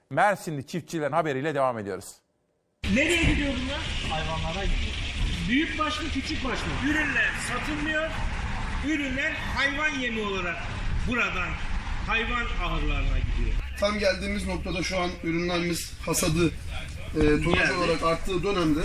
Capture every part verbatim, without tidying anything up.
Mersinli çiftçilerin haberiyle devam ediyoruz. Nereye gidiyor bunlar? Hayvanlara gidiyor. Büyük baş mı küçük baş mı? Ürünler satılmıyor. Ürünler hayvan yemi olarak buradan hayvan ahırlarına gidiyor. Tam geldiğimiz noktada şu an ürünlerimiz hasadı e, tonaj olarak arttığı dönemde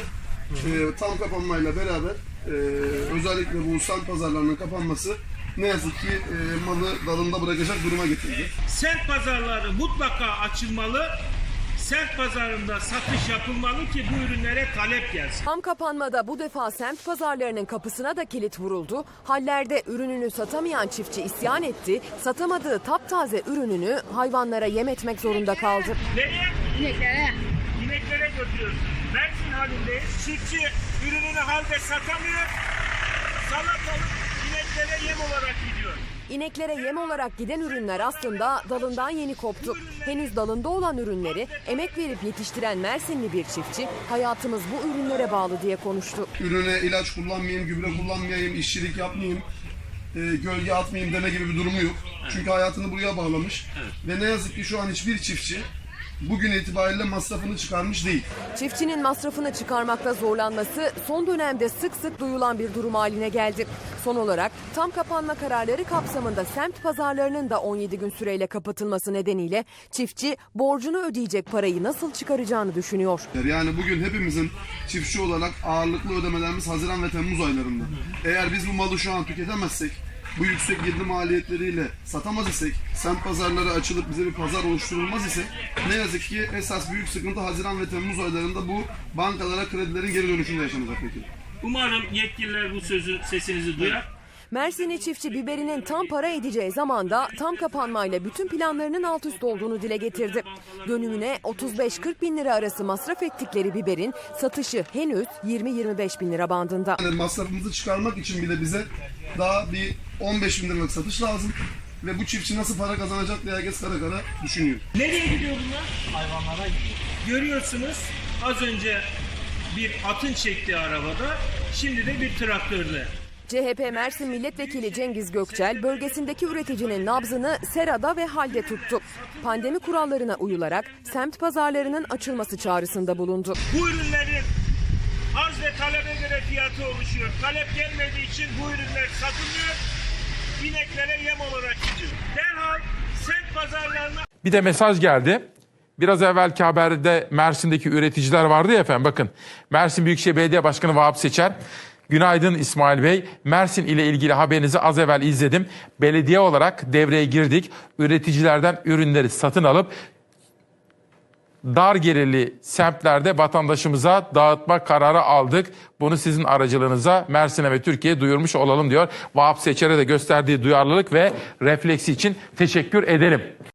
e, tam kapanmayla beraber e, özellikle bu semt pazarlarının kapanması ne yazık ki e, malı dalında bırakacak duruma getirdi. Semt pazarları mutlaka açılmalı. Semt pazarında satış yapılmalı ki bu ürünlere talep gelsin. Tam kapanmada bu defa semt pazarlarının kapısına da kilit vuruldu. Hallerde ürününü satamayan çiftçi isyan etti. Satamadığı taptaze ürününü hayvanlara yem etmek zorunda kaldı. Nereye? İneklere. İneklere götürüyoruz. Mersin halindeyiz. Çiftçi ürününü halde satamıyor. Salatalık ineklere yem olarak gidiyor. İneklere yem olarak giden ürünler aslında dalından yeni koptu. Henüz dalında olan ürünleri emek verip yetiştiren Mersinli bir çiftçi hayatımız bu ürünlere bağlı diye konuştu. Ürüne ilaç kullanmayayım, gübre kullanmayayım, işçilik yapmayayım, e, gölge atmayayım deme gibi bir durumu yok. Çünkü hayatını buraya bağlamış. Ve ne yazık ki şu an hiçbir çiftçi bugün itibariyle masrafını çıkarmış değil. Çiftçinin masrafını çıkarmakta zorlanması son dönemde sık sık duyulan bir durum haline geldi. Son olarak tam kapanma kararları kapsamında semt pazarlarının da on yedi gün süreyle kapatılması nedeniyle çiftçi borcunu ödeyecek parayı nasıl çıkaracağını düşünüyor. Yani bugün hepimizin çiftçi olarak ağırlıklı ödemelerimiz Haziran ve Temmuz aylarında. Eğer biz bu malı şu an tüketemezsek, bu yüksek girdi maliyetleriyle satamaz isek, semt pazarları açılıp bize bir pazar oluşturulmaz ise ne yazık ki esas büyük sıkıntı Haziran ve Temmuz aylarında bu bankalara kredilerin geri dönüşünde yaşanacak peki. Umarım yetkililer bu sözü sesinizi duyar. Mersinli çiftçi biberinin tam para edeceği zamanda tam kapanmayla bütün planlarının alt üst olduğunu dile getirdi. Dönümüne otuz beş kırk bin lira arası masraf ettikleri biberin satışı henüz yirmi yirmi beş bin lira bandında. Yani masrafımızı çıkarmak için bile bize daha bir on beş bin liralık satış lazım. Ve bu çiftçi nasıl para kazanacak diye herkes kara kara düşünüyor. Nereye gidiyor bunlar? Hayvanlara gidiyor. Görüyorsunuz az önce bir atın çektiği arabada, şimdi de bir traktörle. C H P Mersin Milletvekili Cengiz Gökçel bölgesindeki üreticinin nabzını serada ve halde tuttu. Pandemi kurallarına uyularak semt pazarlarının açılması çağrısında bulundu. Bu ürünlerin arz ve talebe göre fiyatı oluşuyor. Talep gelmediği için bu ürünler satılmıyor. İneklere yem olarak gidiyor. Derhal semt pazarlarına... Bir de mesaj geldi. Biraz evvelki haberde Mersin'deki üreticiler vardı ya efendim, bakın. Mersin Büyükşehir Belediye Başkanı Vahap Seçer. Günaydın İsmail Bey. Mersin ile ilgili haberinizi az evvel izledim. Belediye olarak devreye girdik. Üreticilerden ürünleri satın alıp dar gelirli semtlerde vatandaşımıza dağıtma kararı aldık. Bunu sizin aracılığınıza Mersin'e ve Türkiye'ye duyurmuş olalım diyor. Vahap Seçer'e de gösterdiği duyarlılık ve refleksi için teşekkür edelim.